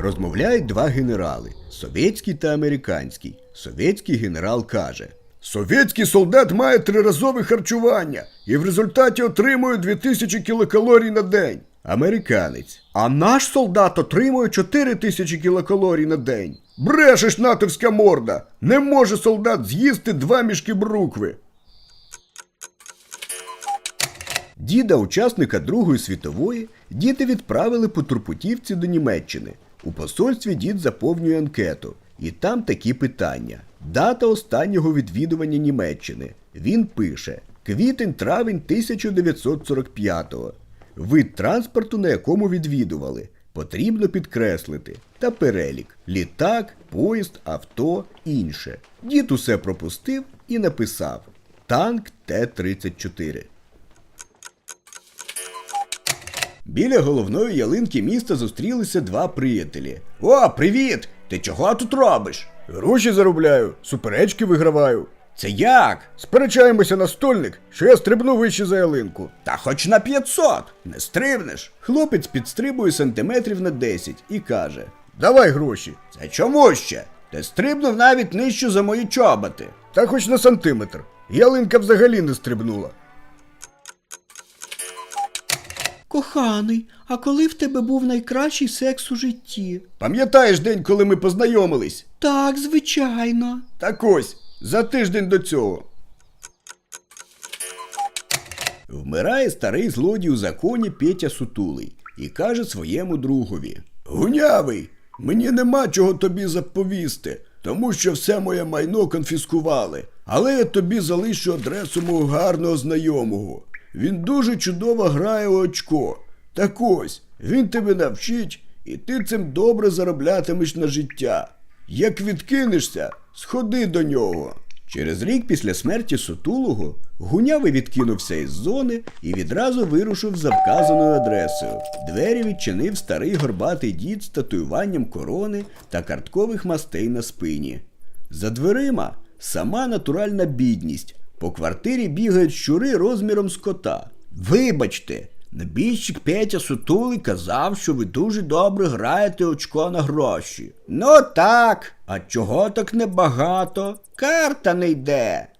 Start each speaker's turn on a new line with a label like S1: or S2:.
S1: Розмовляють два генерали – совєтський та американський. Совєтський генерал каже: «Совєтський солдат має триразове харчування і в результаті отримує 2000 кілокалорій на день». Американець: «А наш солдат отримує 4000 кілокалорій на день». «Брешеш, натовська морда! Не може солдат з'їсти 2 мішки брукви». Діда, учасника Другої світової, діти відправили по турпутівці до Німеччини. У посольстві дід заповнює анкету. І там такі питання. Дата останнього відвідування Німеччини. Він пише: квітень-травень 1945-го. Вид транспорту, на якому відвідували. Потрібно підкреслити. Та перелік. Літак, поїзд, авто, інше. Дід усе пропустив і написав: танк Т-34. Біля головної ялинки міста зустрілися два приятелі. «О, привіт! Ти чого тут робиш?» «Гроші заробляю, суперечки виграваю». «Це як?» «Сперечаємося на стольник, що я стрибну вище за ялинку». «Та хоч на 500, не стрибнеш». Хлопець підстрибує сантиметрів на 10 і каже: «Давай гроші». «Це чому ще? Ти стрибнув навіть нижче за мої чоботи». «Та хоч на сантиметр. Ялинка взагалі не стрибнула».
S2: Коханий, а коли в тебе був найкращий секс у житті?
S1: Пам'ятаєш день, коли ми познайомились?
S2: Так, звичайно.
S1: Так ось, за тиждень до цього. Вмирає старий злодій у законі Петя Сутулий і каже своєму другові: «Гунявий, мені нема чого тобі заповісти, тому що все моє майно конфіскували, але я тобі залишу адресу мого гарного знайомого. Він дуже чудово грає у очко. Так ось, він тебе навчить, і ти цим добре зароблятимеш на життя. Як відкинешся, сходи до нього». Через рік після смерті Сутулого Гунявий відкинувся із зони і відразу вирушив за вказаною адресою. Двері відчинив старий горбатий дід з татуюванням корони та карткових мастей на спині. За дверима сама натуральна бідність. По квартирі бігають щури розміром з кота. «Вибачте, небіжчик Петя Сутулий казав, що ви дуже добре граєте очко на гроші». «Ну так, а чого так небагато? Карта не йде».